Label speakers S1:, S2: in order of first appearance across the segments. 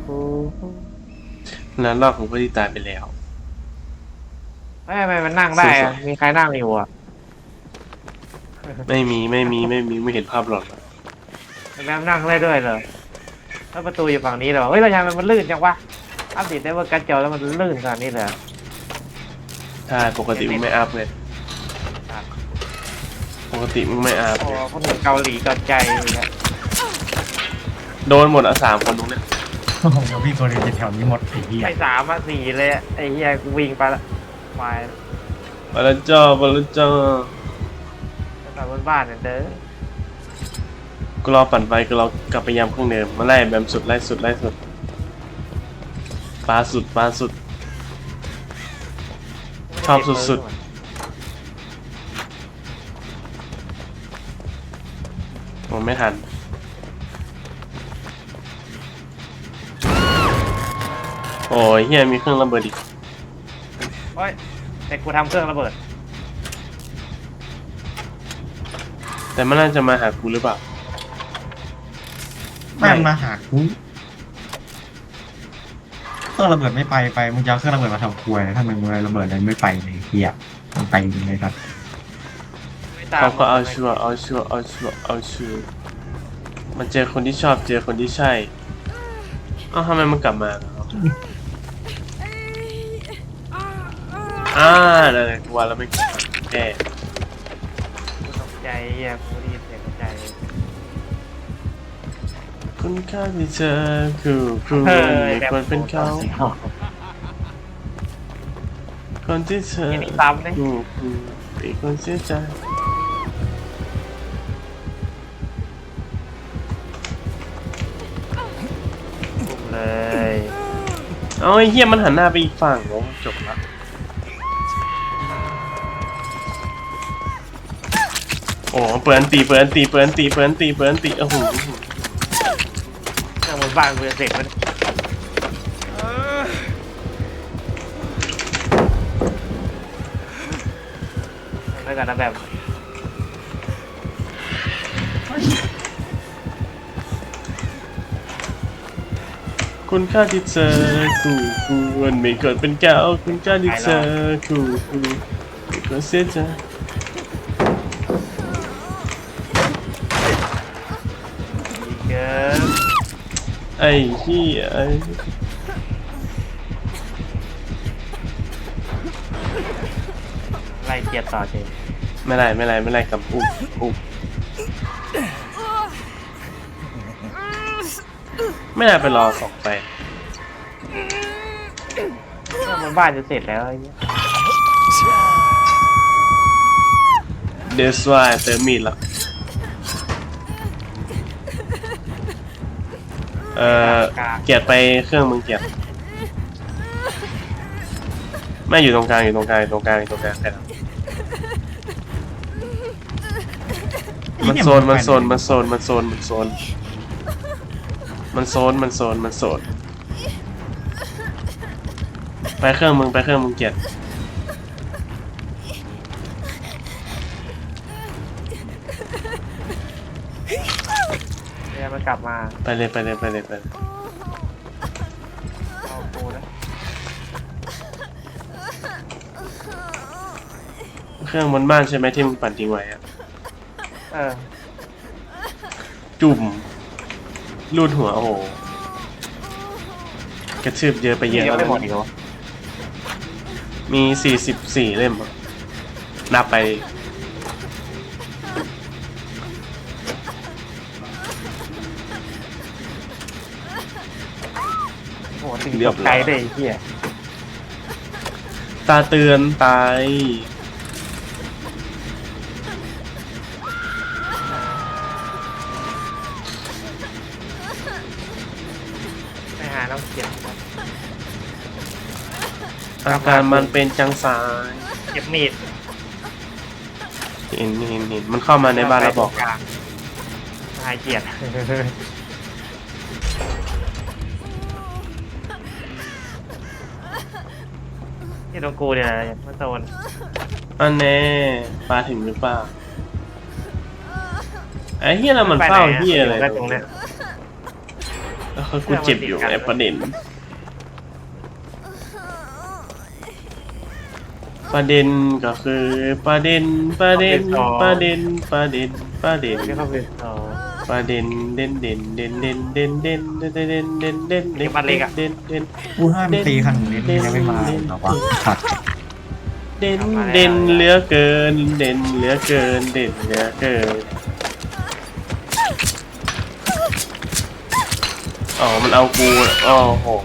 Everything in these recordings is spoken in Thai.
S1: แล้วรอบของผู้ที่ตายไปแล้ว
S2: ไม่มันนั่งได้อะมีใครนั่งอยู่อ่ะ
S1: ไม่มีไม่เห็นภาพหรอก
S2: แล้วนั่งได้ด้วยเหรอแล้วประตูอยู่ฝั่งนี้เหรอเฮ้ยเราทำไมมันลื่นจังวะอัปเดตได้ว่าการจอแล้วมันลื่นขนาดนี้เลย
S1: ใช่ปกติมึงไม่อัพเลยปกติมึงไม่อัพ
S2: โอ้คนเกาหลีเกาใจเนี่ย
S1: โดนหมดอ่ะ3 คนตรงเนี้ย
S3: โอ้โหพี่ตัวเดียวจะแถวนี้หมดไอ้เหี้ย
S2: ไอ้3 มา 4เลยอะไอ้เฮียกูวิ่งไปละไป
S1: บาลจ้าบาลจ้า
S2: แต่บนบ้านเนี่ยเด้อ
S1: กูรอปั่นไฟกูรอกลับไปยามเครื่องเดิมมาไล่แบบสุดไล่สุดปลาสุดชอบสุดผมไม่ทันโอ้ยเฮียมีเครื่องระเบิดอีก
S2: โอ้ยแต่กูทำเครื่องระเบิด
S1: แต่มันน่าจะมาหากูหรือเปล่า
S3: แม่งมาหากูเครื่องระเบิดไม่ไปมึงจะเอาเครื่องระเบิดมาทำครัวถ้ามึงระเบิดอะไรไม่ไปเลยเหี้ยมันไปจริงเลยครับ
S1: เขาก็เอาชัวร์มันเจอคนที่ชอบเจอคนที่ใช่เอ้าทำไมมันกลับมานั่นแหละกูว่าแล้วไม่แก้
S2: กูตกใจเฮียกูได้ยินเสียงตกใจ
S1: คุณค่าที่เธอคือไม่ควรเป็นเขาคนที่เธอ
S2: ยังมีซ้ำเลย
S1: คือเป็นคนเสียใจ
S2: บุกเลย
S1: เอาไอ้เหี้ยมันหันหน้าไปอีกฝั่งโอ้จบละโอ้เปิดอันตีโอ้โห
S2: เครื่องบนบ้านกูจะเสร็จมันแล้วกันนะแบบ
S1: คุณค่าที่เธอควรไม่เกิดเป็นแก้วคุณค่าที่เธอไม่ควรเสียใจ
S2: ดีเกิน
S1: ไอ้เหี้ยไอ้
S2: ไล่เกียร์ต่อเจ
S1: ไม่ไรกับอุ๊บไม่น่าไปรอสองไป
S2: เครื่องบนบ้านจะเสร็จแล้วไอ้เหี้ย
S1: เดสวายเติมมีดละเกียรไปเครื่องมึงเกียรไม่อยู่ตรงกลางใครทำมันโซนไปเครื่องมึงเกียร
S2: เนี่ยมันกลับมา
S1: ไปเลย
S2: เอากูนะ
S1: เครื่องบนบ้านใช่ไหมที่มึงปั่นทิ้งไว้อะ
S2: เออ
S1: จุ่มรูดหัวโอ้โหกระชืบเยอะไปเยอะ
S2: ยัง
S1: แล้ว
S2: ไม่หมดอีกเหรอ
S1: มี44เล่มอะนับไป
S2: โอ้โหถึงตกใจเลยไอ้เหี้ย
S1: ตาเตือนตาย
S2: ไปหาน้องเกียร์
S1: อาการมันเป็นจังสาย
S2: เก็บมีด
S1: เห็นมันเข้ามาในบ้านแล้วบอก
S2: หายเกียร์ที่ตรงกูเนี่ยมันโซน
S1: อันแน่ปลาถึงหรือเปล่าไอ้เฮียเรามันเฝ้าเฮียอะไร
S2: ตรงเนี้ย
S1: โอ้คือกูเจ็บอยู่ไอ้ประเด็นก็คือประเด็น
S2: ที่เขาเป็น
S1: ประเด็น
S2: เด่น
S3: กูห้ามตีขนาดนี้มันยังไม่มาหรอกวะสัตว์
S1: เด่นเหลือเกินเด่นเหลือเกินเด่นเหลือเกินอ๋อมันเอากูอ๋อโห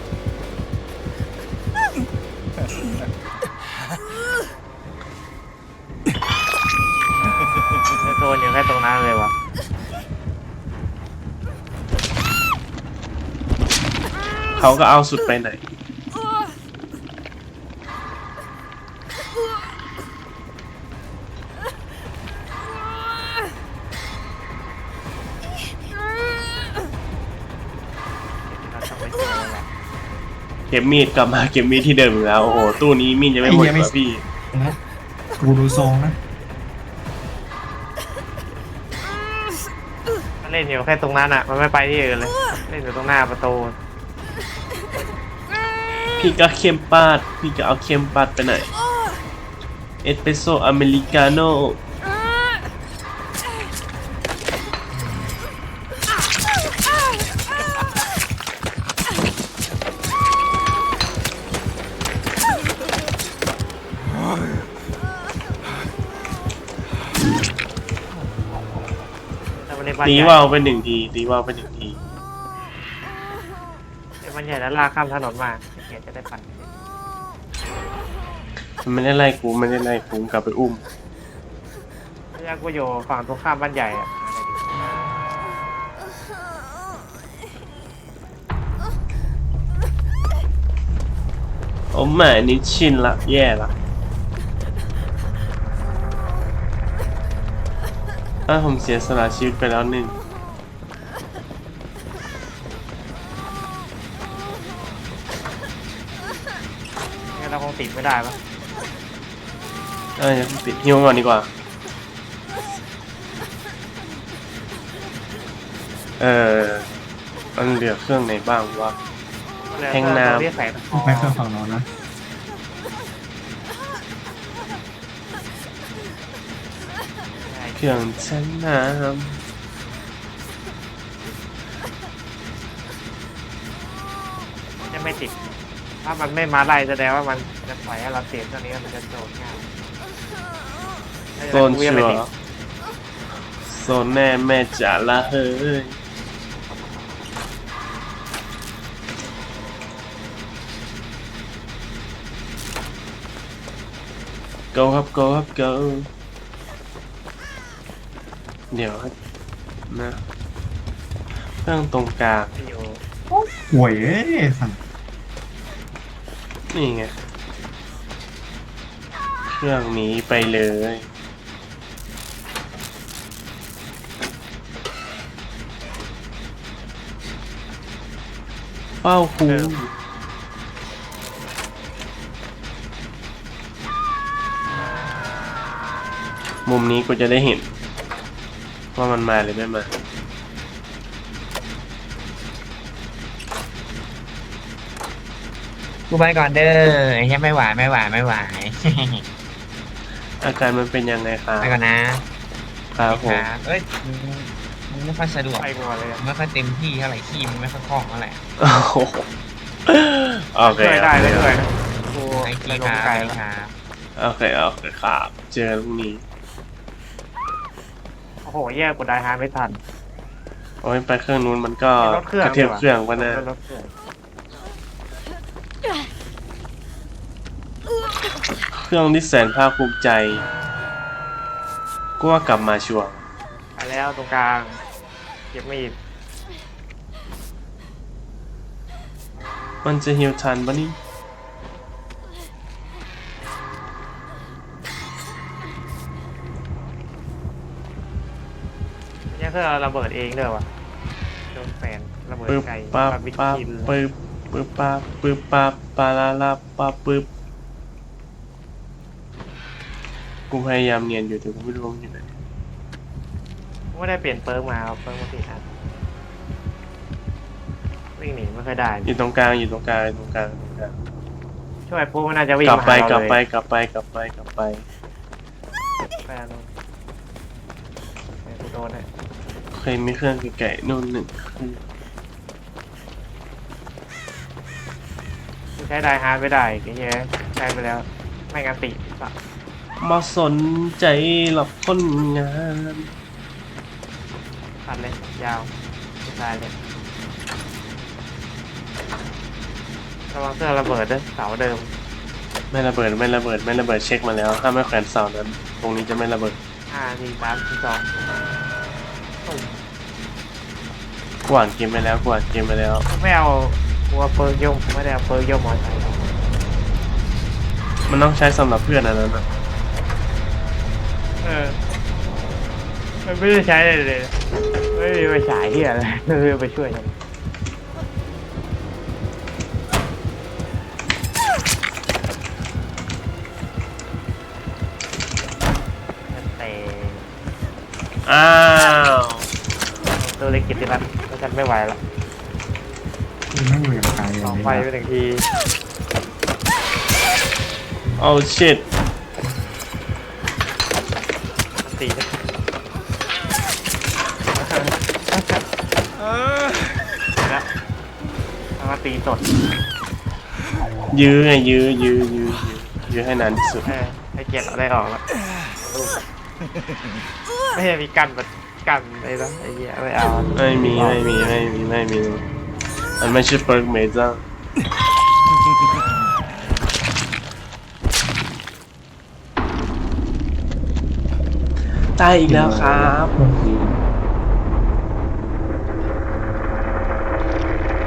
S2: โซนอยู่แค่ตรงนั้นเลยวะ
S1: เขาก็เอาสุดไปไหนเก็บมีดกลับมาเก็บมีดที่เดิมอีกแล้วโอ้โหตู้นี้มีดยังไม่หมดว่ะพี่
S3: นะกูดูทรงนะ
S2: มันเล่นอยู่แค่ตรงนั้นอ่ะมันไม่ไปที่อื่นเลยเล่นอยู่ตรงหน้าประตู
S1: พี่ก็เข้มปาดพี่ก็เอาเข้มปาดไปไหนเอสเปรสโซ่อเมริกาโน่ตีว่าวไปหนึ่งทีตีว่าวไปหนึ่งที
S2: มันใหญ่แล้วลากข้ามถนนมาเกียจะได้ปั่น
S1: มันไม่ได้ไล่กูไม่ได้ไล่กูกลับไปอุ้ม
S2: พยากูอยู่ฝั่งตรงข้ามบ้านใหญ่อะ
S1: โอ้แม่นี่ชินละแย่ละถ้าผมเสียสละชีวิตไปแล้วหนึ่ง
S2: งั้นเราคงติดไม่ได้ปะ
S1: ยังปิดฮิวก่อนดีกว่ามันเหลือเครื่องไหนบ้างวะ แทงน้ำ
S2: เรียกแสง
S3: ไปเครื่องฝั่งโน้นนะ
S1: เครื่องชั้นน้
S2: จะไม่ติด ถ้ามันไม่มาไล่แสดงว่ามันจะปล่อยให้เราเสียตอนนี้มันจะโดนง่าย
S1: ำโซนชัวร์โซนแน่แม่จ๋าละเฮ้ยgo ครับ go ครับ go เดี๋ยวนะเครื่องตรงกลาง
S2: อยู่
S3: ห่วยเอ้ยสัตว์
S1: นี่ไง เครื่องนี้ไปเลยเป้าคูมุมนี้กูจะได้เห็น ว่ามันมาหรือไม่มา
S4: กูไปก่อนเด้อไอ้เหี้ยไม่ไหว
S1: อาการมันเป็นยังไงครับ
S4: ไปก่อนนะครับ
S1: ผม
S4: เอ้ยมึงไม่ค่อยสะดวก
S2: ไปก่อนเลยอะ
S4: ไม่ค่อยเต็มที่เท่าไหร่ขี้มึงไม่ค่อยคล่องเท่าไหร่
S1: โอ้โหโอเค
S2: ช่วยได้เลยด้วยกู
S4: ไอ้
S2: ไป
S4: ขี้
S2: ล
S4: ค
S2: ง
S4: รับ
S2: ไกล
S4: ไอ้
S2: แล้ว
S4: ครับ
S1: โอเคครับเจอกันพรุ่งนี้
S2: โอ้โหแย่กูได้หาไม่ทัน
S1: โอ้ยไปเครื่องนู้นมันก็
S2: รถเครื่อง
S1: กระเทียมเครื่องวะนะ
S2: รถเครื่อง
S1: เครื่องที่แสนภาคภูมิใจก็ว่ากลับมาชัวร์
S2: ไปแล้วตรงกลางเก็บมีด
S1: มันจะฮิวทันปะนี่
S2: เนี่ยเพื่อระเบิดเองเด้อวะโดนแฟนระเบิด
S1: ปึ๊บ
S2: ไก่
S1: ปั๊บ
S2: บาร์บี
S1: ปั๊บ
S2: คิว
S1: ปึ๊บปึ๊บปั๊บปึ๊บปั๊บปาลาลาปั๊บปึ๊บกูพยายามเนียนอยู่แต่กูไม่รู้ว่ามันอยู่ไหน
S2: ไม่ได้เปลี่ยนเปิร์กมาเอาเปิร์กมาติดอ่ะวิ่งหนีไม่ค่อยได้
S1: อยู่ตรงกลางอยู่ตรงกลางอยู่ตรงกลางตรงกลาง
S2: ช่วยพวกมันน่าจะวิ่ง
S1: กลับ
S2: มา
S1: ไป
S2: หาเรา
S1: กลับ
S2: เลย
S1: ไปกลับไปกลับไปกลับไป
S2: ไปอันนู้นไปกูโดนเนี่ย
S1: เคยมีเครื่องไก่นู่นหนึ่งเครื่อง
S2: กูใช้ไดฮาร์ดไม่ได้ไอ้เหี้ยใช้ไปแล้วไม่งั้นติสัตว์
S1: มาสนใจหลับคนงาน
S2: ตัดเลยยาวไม่ตายเลยระวังเสื้อระเบิดด้วยเสาเดิม
S1: ไม่ระเบิดไม่ระเบิดไม่ระเบิดเช็คมาแล้ว ถ้าไม่แขวนเสานั้น ตรงนี้จะไม่ระเบิด
S2: 5 4 3 2ตุ่ม
S1: กวาดเกมไปแล้วกวาดเกมไปแล้ว
S2: ไม่เอากลัวเปิร์กโยมไม่ได้เอาเปิร์กโยมมอไซค์
S1: มันต้องใช้สำหรับเพื่อนอันนั้นนะ
S2: มันไม่ได้ใช้เลยไม่มีไปฉายที่อะไรไม่มีไปช่วยมันแต่
S1: อ้าว
S2: ตัวเล็กกิตติรัตน์แล้วฉันไม่ไหวละ
S3: มันไม่อยู่อย่างไกลเล
S2: สอง
S3: ย
S2: ไฟไปหนึ่งที
S1: เอาชิต
S2: มันตีนะแล้วเอามาตีสด
S1: ยื้อไงยื้อยื้อให้นานที่สุด
S2: ให้เกียรติเราได้ออกแล้วไม่ใช่มีกันแบบกันอะไรนะไอ้เหี้ยไม่เอา
S1: ไม่มีมันไม่ใช่เปิร์กเมจ้าตายอีกแล้วครับ